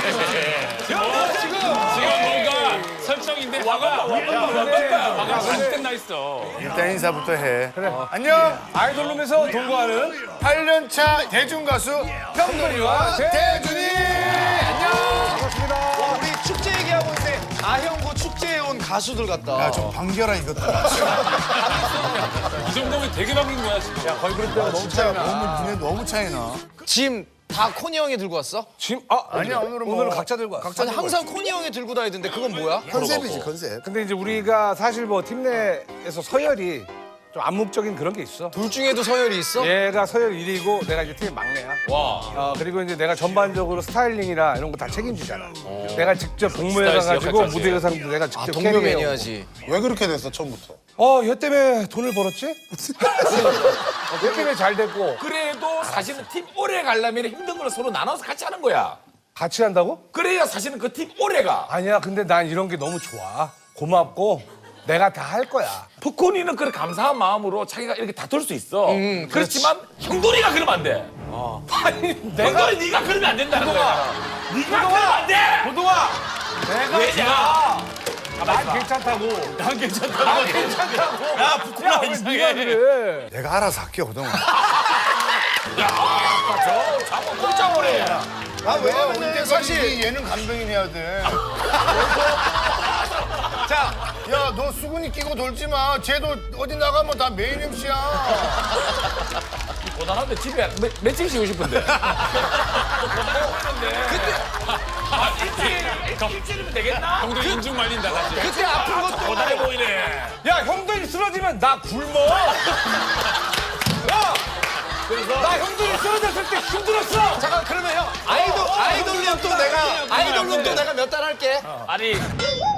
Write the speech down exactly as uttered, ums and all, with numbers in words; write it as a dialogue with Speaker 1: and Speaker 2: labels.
Speaker 1: 지금 뭔가 설정인데 화가 화가 안 끝나 있어.
Speaker 2: 일단 인사부터 해. 그래. 안녕.
Speaker 3: 아이돌룸에서 돌고하는
Speaker 2: 팔 년 차 대중 가수
Speaker 3: 형돈이와
Speaker 2: 대준이.
Speaker 4: 와, 우리 축제 얘기하고 있는데 아형고 축제에 온 가수들 같다.
Speaker 2: 야, 좀 반겨라 이것들아.
Speaker 1: 이 정도면 되게 바뀐 거야 지금.
Speaker 3: 야 거의 그럴 때가 너무
Speaker 2: 진짜 너무 니네 너무 차이나.
Speaker 4: 짐 다 코니 형이 들고 왔어?
Speaker 3: 지금 아
Speaker 2: 아니야 오늘은 뭐
Speaker 3: 오늘은 각자 들고 왔어.
Speaker 4: 아니 항상 코니 형이 들고 다니던데 그건 뭐야?
Speaker 2: 컨셉이지 컨셉.
Speaker 3: 근데 이제 우리가 사실 뭐 팀 내에서 서열이 좀 암묵적인 그런 게 있어.
Speaker 4: 둘 중에도 서열이 있어?
Speaker 3: 얘가 서열 일 위고 내가 이제 팀의 막내야.
Speaker 1: 와.
Speaker 3: 어, 그리고 이제 내가 전반적으로 스타일링이나 이런 거 다 책임지잖아. 내가 직접 동무회
Speaker 1: 스타일리스트
Speaker 3: 가가지고
Speaker 1: 역할까지.
Speaker 3: 무대 의상도 내가 직접
Speaker 4: 아,
Speaker 3: 캐리해오고.
Speaker 4: 동료매니아지.
Speaker 2: 왜 그렇게 됐어 처음부터?
Speaker 3: 어, 얘 때문에 돈을 벌었지? 어, 얘 때문에 잘 됐고.
Speaker 5: 그래도 사실은 팀 오래 가려면 힘든 걸 서로 나눠서 같이 하는 거야.
Speaker 3: 같이 한다고?
Speaker 5: 그래야 사실은 그 팀 오래 가.
Speaker 3: 아니야, 근데 난 이런 게 너무 좋아. 고맙고 내가 다 할 거야.
Speaker 5: 푸코니는 그런 감사한 마음으로 자기가 이렇게 다툴 수 있어. 그렇지만 형돈이가 그러면 안 돼. 아니, 형돈이 네가 그러면 안 된다는 거야. 네가 그러면 안 돼.
Speaker 3: 고동아!
Speaker 5: 내가 왜냐?
Speaker 3: 난 괜찮다고.
Speaker 1: 난 괜찮다.
Speaker 3: 난 괜찮다고. 야, 부끄러워. 왜 네가 그래?
Speaker 2: 내가 알아서 할게 그동안.
Speaker 5: 저 자꾸 꼴짱거래.
Speaker 2: 아 왜냐면 사실 얘는 감독인 해야 돼. 자, 야 너 수근이 끼고 돌지 마. 쟤도 어디 나가면 다 메인 엠씨야.
Speaker 5: 고단한데 집에 매, 며칠 쉬고 싶은데. 근데 아, 일주일, 일주일이면 되겠나?
Speaker 1: 형도 인중 말린다 사실.
Speaker 4: 그때 아픈 것도
Speaker 5: 고단해 보이네.
Speaker 3: 야, 형돈이 쓰러지면 나 굶어. 야! 나 형돈이 쓰러졌을 때 힘들었어.
Speaker 4: 잠깐 그러면 형 아이돌 아이돌룸 또 내가 아이돌룸 또 내가 몇 달 할게.
Speaker 5: 아니